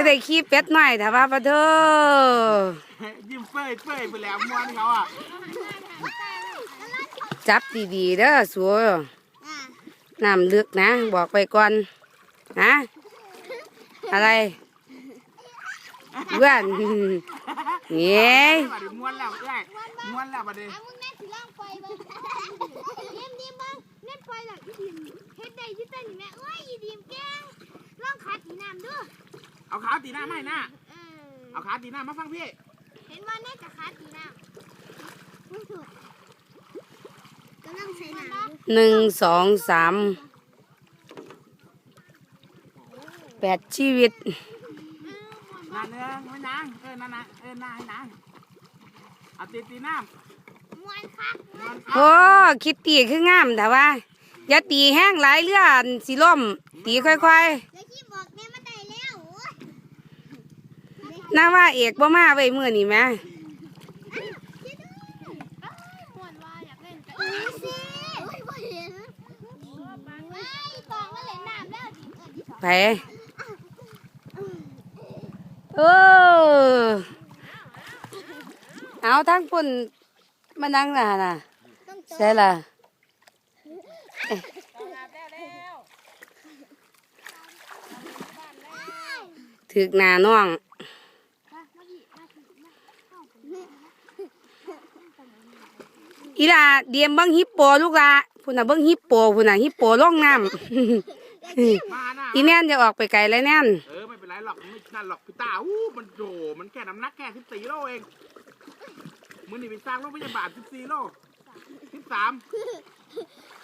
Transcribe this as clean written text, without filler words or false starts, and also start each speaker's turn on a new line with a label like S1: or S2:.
S1: ได้ขี้เป็ดหน่อยแต่ว่าปะเธอ
S2: ยิ้มเฟ้ยไปแล้วม้วนเขาอ่ะ
S1: จับดีๆเด้อสัวน้ำลึกนะบอกไปก่อนนะอะไรเพื่อนเงี้ย
S2: ม้วนแล้วได้ม้วนแล้วประเดี๋ยว
S3: มึงแน่สิล่องไฟบ้างดีมบ้างเล่นไฟหลังอีดิมเฮ็ดได้ที่เต้นนี่แม่เอ้ยอีดิมแกงล่องขาตีน้ำด้วย
S2: เอาขาตีหน้าไม่หน้าเอาขาตีหน้ามาฟังพี่
S3: เห็นว่าแน่จะขาตีน้ำไม่ถูกกำลังใช้น้ำ
S1: 1 2 3 8ชีวิต
S2: นานเนื้อไม่นางนานนายนางเอาตีน้ำ
S3: มวนคัก
S1: โอ้คิดตีคืองามแต่ว่าอย่าตีแห้งหลายเลื่อนสิล่มตีค่อย
S3: ๆแล้วที่บอกแม่มาได้แล้ว
S1: ๆน่าว่าเอกบ่มาไว้มื้อนี้แม่
S3: มวนว่าอยากเล่นกันสิบ่เห็นตองมาเล่นน้ำแล้ว
S1: ไปเอาทั้งปุ่นมานั่งน่ะใช่ล่ะถึกหน้าน้องอีล่ะเดียมเบิ้งฮิปโปลูกละพุ่นน่ะเบิ้งฮิปโปพุ่นน่ะฮิปโปล่องน้ำอีแน่นจะออกไปไกลเลยแน่น
S2: ไม่เป็นไรหรอกไม่นั่นหรอกพี่ตามันโดมันแค่น้ำหนักแค่14 โลเองมือนี่ไปสร้างโรงพยาบาล14 โล13